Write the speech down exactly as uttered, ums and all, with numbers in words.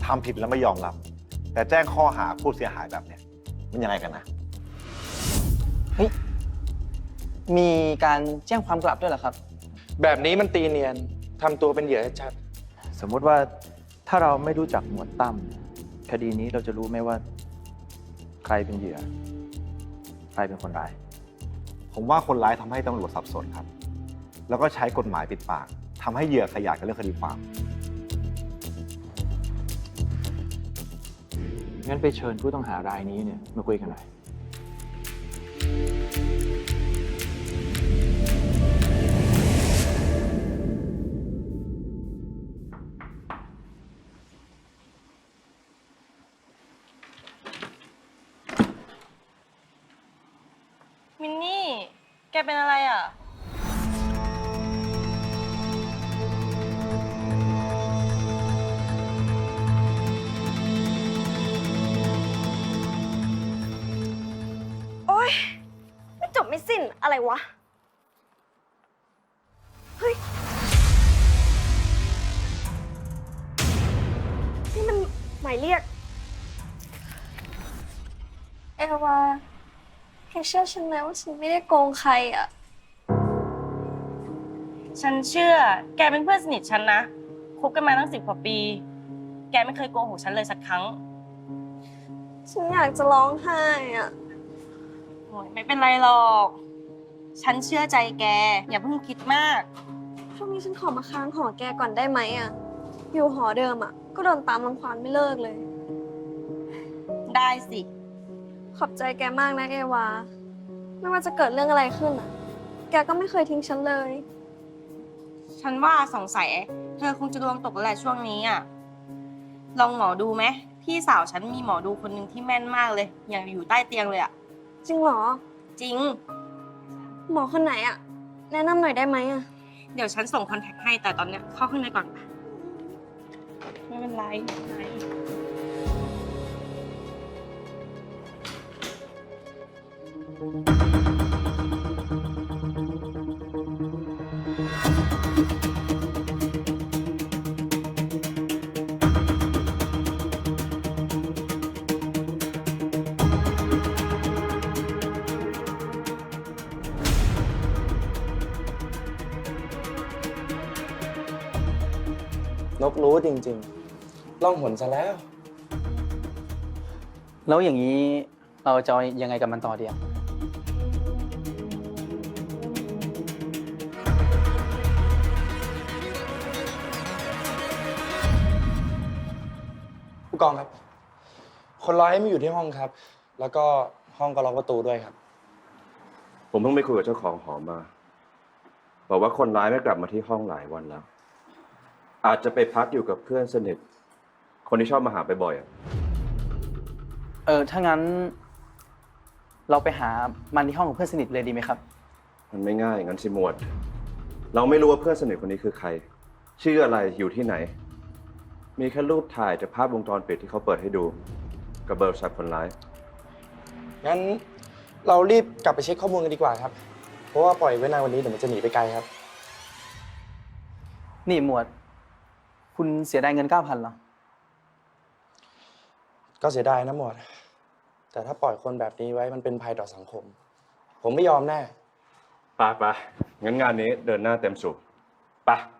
ทำผิดแล้วไม่ยอมรับแต่แจ้งข้อหาผู้เสียหายแบบเนี้ยมันยังไงกันนะเฮ้ยมีการแจ้งความกลับด้วยเหรอครับแบบนี้มันตีเนียนทำตัวเป็นเหยื่อชัดสมมติว่าถ้าเราไม่รู้จักหมวดตั้มคดีนี้เราจะรู้ไหมว่าใครเป็นเหยื่อใครเป็นคนร้ายผมว่าคนร้ายทำให้ตำรวจสับสนครับ แล้วก็ใช้กฎหมายปิดปากทำให้เหยื่อขยายกับเรื่องคดีความงั้นไปเชิญผู้ต้องหารายนี้เนี่ยมาคุยกันหน่อยมินนี่ แกเป็นอะไรอ่ะโอ๊ยไม่จบไม่สิ้นอะไรวะ เฮ้ย นี่มันหมายเรียก เอวาแกเชื่อฉันไหมว่าฉันไม่ได้โกงใครอ่ะฉันเชื่อ แกเป็นเพื่อนสนิทฉันนะ คบกันมาตั้งสิบกว่าปี แกไม่เคยโกหกฉันเลยสักครั้งฉันอยากจะร้องไห้อ่ะโอ้ยไม่เป็นไรหรอก ฉันเชื่อใจแก อย่าเพิ่งคิดมากช่วงนี้ฉันขอมาค้างหอแกก่อนได้ไหมอ่ะ อยู่หอเดิมอ่ะ ก็โดนตามรังควานไม่เลิกเลยได้สิขอบใจแกมากนะเอวา ไม่ว่าจะเกิดเรื่องอะไรขึ้นอ่ะ แกก็ไม่เคยทิ้งฉันเลยฉันว่าสงสัยเธอคงจะดวงตกแล้วแหละช่วงนี้อ่ะ ลองหมอดูไหม พี่สาวฉันมีหมอดูคนหนึ่งที่แม่นมากเลย อย่างอยู่ใต้เตียงเลยอ่ะจริงเหรอจริงหมอคนไหนอ่ะ แนะนำหน่อยได้ไหมอ่ะเดี๋ยวฉันส่งคอนแทคให้ แต่ตอนเนี้ยเข้าข้างในก่อนปะไม่เป็นไรไม่เป็นไรๆ นกรู้จริงๆ ล่องหนซะแล้วแล้วอย่างนี้เราจะยังไงกับมันต่อดีอะผู้กองครับ คนร้ายไม่อยู่ที่ห้องครับ แล้วก็ห้องก็ล็อกประตูด้วยครับผมเพิ่งไปคุยกับเจ้าของหอมาบอกว่าคนร้ายไม่กลับมาที่ห้องหลายวันแล้ว อาจจะไปพักอยู่กับเพื่อนสนิทคนที่ชอบมาหาไปบ่อยๆอะเออถ้างั้น เราไปหามันที่ห้องของเพื่อนสนิทเลยดีไหมครับมันไม่ง่ายงั้นสิหมวด เราไม่รู้ว่าเพื่อนสนิทคนนี้คือใคร ชื่ออะไรอยู่ที่ไหน มีแค่รูปถ่ายจากภาพวงจรปิดที่เขาเปิดให้ดู กับเบอร์โทรศัพท์คนร้ายงั้นเรารีบกลับไปเช็คข้อมูลกันดีกว่าครับ เพราะว่าปล่อยไว้นานวันนี้เดี๋ยวมันจะหนีไปไกลครับนี่หมวด คุณเสียดายเงินเก้าพันเหรอก็เสียดายนะหมวด แต่ถ้าปล่อยคนแบบนี้ไว้มันเป็นภัยต่อสังคม ผมไม่ยอมแน่ไปไปงั้นงานนี้เดินหน้าเต็มสูบไป